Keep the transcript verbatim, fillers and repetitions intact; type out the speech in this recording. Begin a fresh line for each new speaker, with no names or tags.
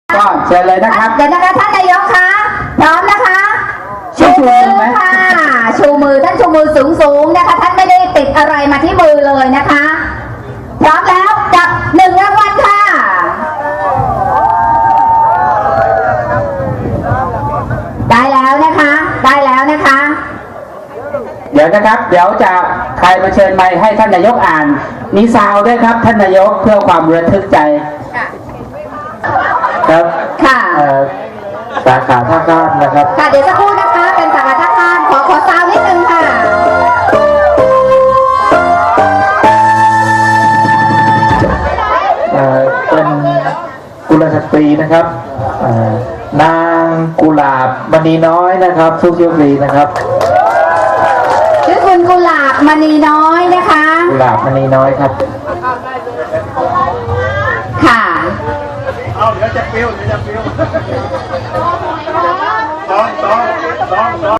ก็เชิญเลยนะครับ
เดี๋ยวนะคะท่านนายกคะพร้อมนะคะชูมือค่ะชูมือท่านชูมือสูงสูงนะคะท่านไม่ได้ติดอะไรมาที่มือเลยนะคะพร้อมแล้วจับหนึ่งรางวัลค่ะได้แล้วนะคะได้แล้วนะคะ
เดี๋ยวนะครับ เดี๋ยวจะใครมาเชิญไมค์ให้ท่านนายกอ่านมีซาวด้วยครับท่านนายกเพื่อความระทึกใจครับ
ค่ะ
สาขาท่าข้ามนะครับ
ค่ะเดี๋ยวสักครู่นะคะเป็นสาขาท่าข้ามขอขอซาวนิดนึงค่ะ
เป็นกุลสตรีนะครับนางกุหลาบมณีน้อยนะครับทุกโชคดีนะครับ
ชื่อคุณกุหลาบมณีน้อยนะคะ
กุหลาบมณีน้อยครับ
ค่ะ
เอาเดี๋ยวจะปิ้วเดี๋ยวจะปิ้วสองสองสองสอง